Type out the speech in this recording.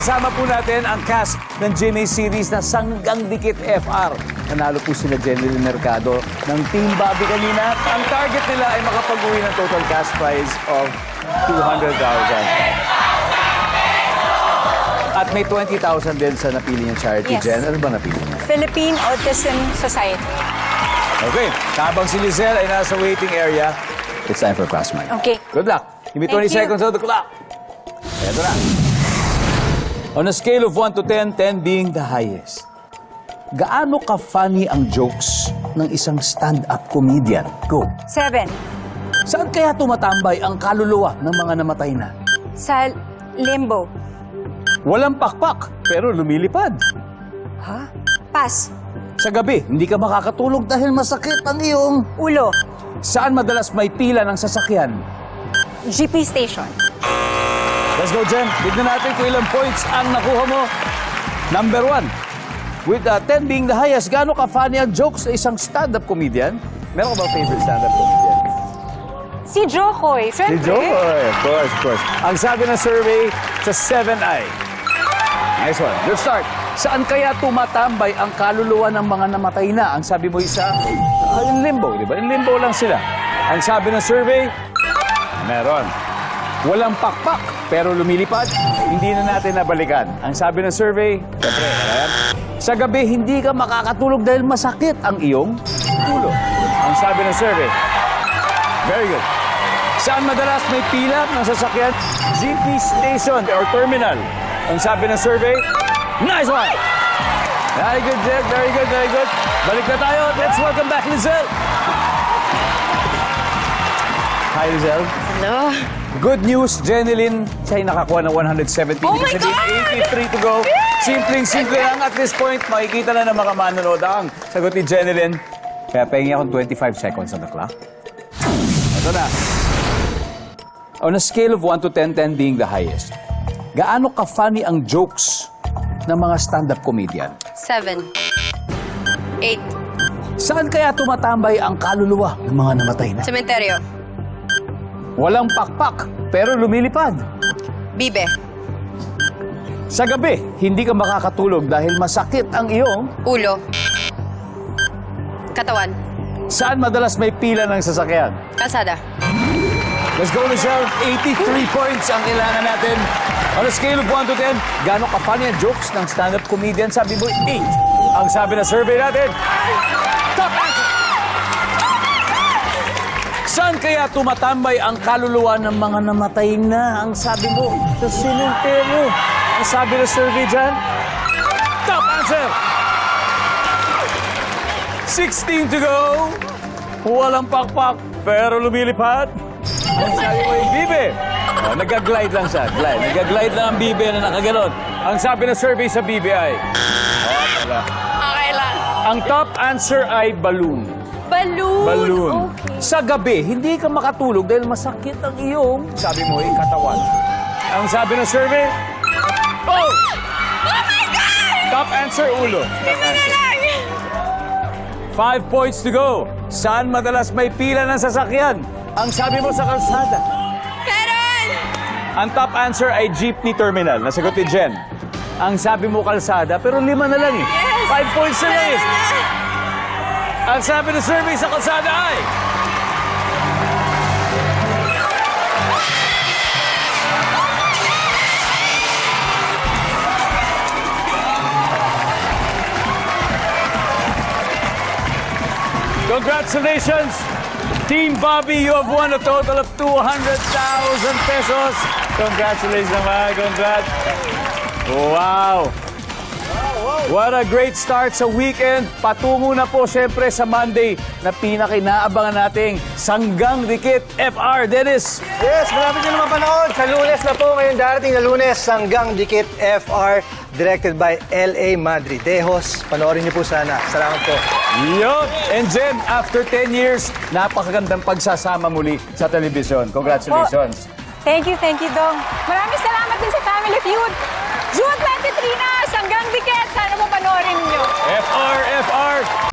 Kasama po natin ang cast ng GMA series na Sanggang Dikit FR. Nanalo po sila Jenny Mercado ng Team Bobby kanina. Ang target nila ay makapag-uwi ng total cash prize of 200,000. At may 20,000 din sa napili niyang charity. Yes. Jen, ano ba napili niya? Philippine Autism Society. Okay, habang si Lizelle ay nasa waiting area, it's time for Fast Money. Okay. Good luck. Give me 20 Thank you. seconds on the clock. Eto na. On a scale of 1 to 10, 10 being the highest, gaano ka-funny ang jokes ng isang stand-up comedian? Go. 7. Saan kaya tumatambay ang kaluluwa ng mga namatay na? Sa limbo. Walang pakpak, pero lumilipad. Ha? Pass. Sa gabi, hindi ka makakatulog dahil masakit ang iyong... Ulo. Saan madalas may pila ng sasakyan? GP station. Let's go, Jen. Tignan natin kung ilang points ang nakuha mo. Number 1. With 10 being the highest, gaano ka-funny ang jokes sa isang stand-up comedian? Meron ka ba favorite stand-up comedian? Si Jokoy. Si Siyempre. Joe? Of course, of course. Ang sabi ng survey sa 7i. Nice one. Good start. Saan kaya tumatambay ang kaluluwa ng mga namatay na? Ang sabi mo isa, in limbo, di ba? In limbo lang sila. Ang sabi ng survey, meron. Walang pakpak, pero lumilipad, hindi na natin nabalikan. Ang sabi ng survey, siyempre, ayan. Sa gabi, hindi ka makakatulog dahil masakit ang iyong ulo. Ang sabi ng survey, very good. Saan madalas may pila ng sasakyan? GP station or terminal. Ang sabi ng survey, nice one! Very good, Jen. Very good, very good. Balik na tayo. Let's welcome back Lizelle. Hi, Lizelle. Hello. Good news, Jenilyn. Siya ay nakakuha ng 170. Oh my Ibig sabihin, 83 to go. Simpleng-simple lang. At this point, makikita na ng mga manonood ang sagot ni Jenilyn. Kaya pahingi akong 25 seconds on the clock. Ito na. On a scale of 1 to 10, 10 being the highest, gaano ka-funny ang jokes ng mga stand-up comedian? 7. 8. Saan kaya tumatambay ang kaluluwa ng mga namatay na? Cementerio. Walang pakpak, pero lumilipad. Bibe. Sa gabi, hindi ka makakatulog dahil masakit ang iyong... Ulo. Katawan. Saan madalas may pila ng sasakyan? Kalsada. Let's go, Michelle. 83 points ang kailangan natin. On a scale of 1 to 10, gaano ka-funny ang jokes ng stand-up comedian? Sabi mo, 8. Ang sabi na survey natin, top answer! Saan kaya tumatambay ang kaluluwa ng mga namatay na? Ang sabi mo, sa simenteryo. Ang sabi na survey dyan, top answer! 16 to go. Walang pakpak, pero lumilipad. Ang sabi mo yung bibe. Oh, nag-glide lang siya. Glide. Nag-glide lang ang bibe na nakaganon. Ang sabi ng survey sa bibe ay... Oh, wala. Okay lang. Ang top answer ay balloon. Balloon. Balloon. Okay. Sa gabi, hindi ka makatulog dahil masakit ang iyong... Sabi mo, yung katawan. Ang sabi ng survey... Oh! Oh my God! Top answer, ulo. Top answer. 5 points to go. Saan madalas may pila ng sasakyan? Ang sabi mo sa kalsada. Meron! Ang top answer ay jeepney terminal. Nasagot ni Jen. Ang sabi mo kalsada, pero 5 na lang eh. Yes! 5 points na lang eh. Ang sabi ng survey sa kalsada ay... Congratulations! Team Bobby, you have won a total of 200,000 pesos. Congratulations naman. Congrats. Wow. What a great start sa weekend. Patungo na po siyempre sa Monday na pinaka-inaabangan nating Sanggang Dikit FR. Dennis. Yes, malapit nyo naman panahon. Sa Lunes na po, ngayon darating na Lunes, Sanggang Dikit FR, directed by L.A. Madridejos. Panoorin niyo po sana. Salamat po. Yup. And Jen, after 10 years, napakagandang pagsasama muli sa telebisyon. Congratulations. Thank you, Dong. Maraming salamat din sa Family Feud. June 23 na, Sanggang Dikit. Sana mo panoorin niyo. FR, FR.